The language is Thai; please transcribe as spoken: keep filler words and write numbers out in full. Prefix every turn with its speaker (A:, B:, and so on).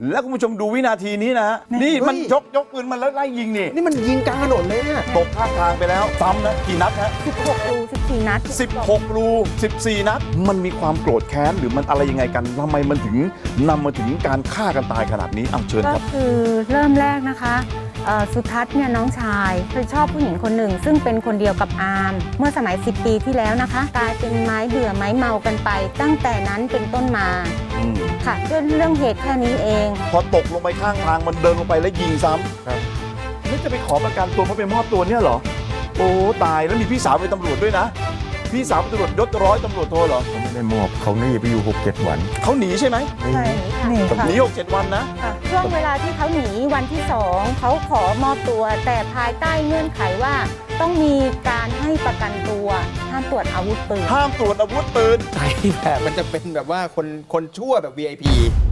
A: แล้วคุณผู้ชมดูวินาทีนี้นะฮะนี่มันยกยกปืนมาแล้วไล่ยิงนี่
B: นี่มันยิงกลางถนนเลยเนี่ย
A: ตกข้างทางไปแล้วซ้ำนะกี่นัดฮะ
C: สิบหกรูสิบสี่นัด
A: สิบหกรูสิบสี่นัดมันมีความโกรธแค้นหรือมันอะไรยังไงกันทำไมมันถึงนำมาถึงการฆ่ากันตายขนาดนี้เอาเชิญครับ
C: ก็คือเริ่มแรกนะคะสุทัศน์เนี่ยน้องชายเคยชอบผู้หญิงคนหนึ่งซึ่งเป็นคนเดียวกับอาร์มเมื่อสมัยสิบปีที่แล้วนะคะกลายเป็นไม้เบื่อไม้เมากันไปตั้งแต่นั้นเป็นต้นมาค่ะด้วยเรื่องเหตุแค่นี้เอง
A: พอตกลงไปข้างทางมันเดินลงไปแล้วยิงซ้ำครับนี่จะไปขอประกันตัวเพราะไปมอบตัวเนี่ยเหรอโอ้ตายแล้วมีพี่สาวเป็นตำรวจด้วยนะพี่สาวเป็นตำรวจยศร้อยตำรวจโทเหรอ
B: เขาไม่ได้มอบเขาหนีไปอยู่หกเจ็ดวัน
A: เขาหนีใช่ไหม
C: ใช่
A: หนีค่ะหนีหกเจ็ดวันนะ
C: ช่วงเวลาที่เขาหนีวันที่สองเขาขอมอบตัวแต่ภายใต้เงื่อนไขว่าต้องมีการให้ประกันตัวห้ามตรวจอาวุธปืน
A: ห้ามตรวจอาวุธปืน
B: ใช่แบบมันจะเป็นแบบว่าคนคนชั่วแบบ วี ไอ พี